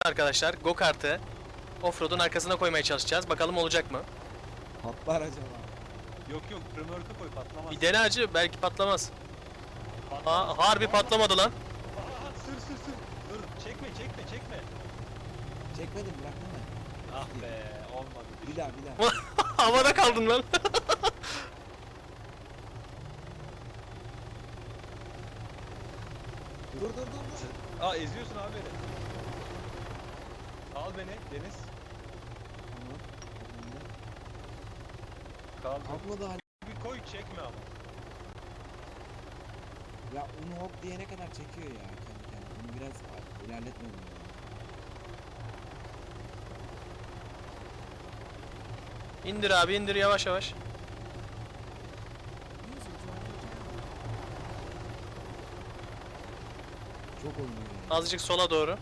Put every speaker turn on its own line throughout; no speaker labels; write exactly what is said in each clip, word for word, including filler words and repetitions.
Arkadaşlar go kartı offroad'un arkasına koymaya çalışacağız. Bakalım olacak mı?
Patlar acaba.
Yok yok, römorka koy, patlamaz.
Bir dene acı, belki patlamaz.
Patlamaz.
Aa, harbi patlamadı lan.
Aa, sür sür sür. Dur, çekme çekme çekme.
Çekmedim, bıraktım ben.
Ah be, olmadı.
Bir daha bir daha.
Havada kaldın lan.
Dur dur dur dur.
Aa, eziyorsun abi beni. Al beni Deniz.
Tamam.
Kaldı.
Kalkmadı hali.
Bir koy, çekme ama.
Ya onu hop diyene kadar çekiyor ya kendi kendine. Bunu biraz ilerletmedim ya.
İndir abi, indir yavaş yavaş.
Çok oynuyor ya.
Azıcık sola doğru.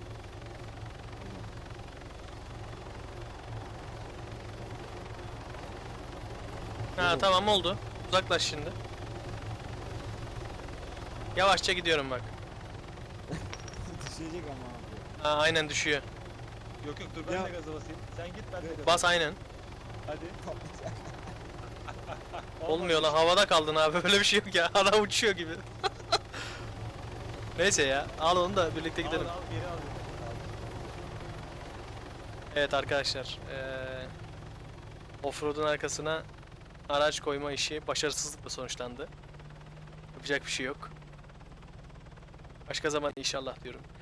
Ha tamam oldu. Uzaklaş şimdi. Yavaşça gidiyorum bak.
Düşecek ama abi.
Ha, aynen düşüyor.
Yok yok, dur ben
Ya.
de gaza basayım. Sen git, ben de gaza
Bas aynen.
Hadi.
Patlayacak.
Olmuyor lan, havada kaldın abi, böyle bir şey yok ya. Adam uçuyor gibi. Neyse ya, al onu da birlikte gidelim.
Al al, geri al. Al.
Evet arkadaşlar, eee offroad'un arkasına araç koyma işi başarısızlıkla sonuçlandı. Yapacak bir şey yok. Başka zaman inşallah diyorum.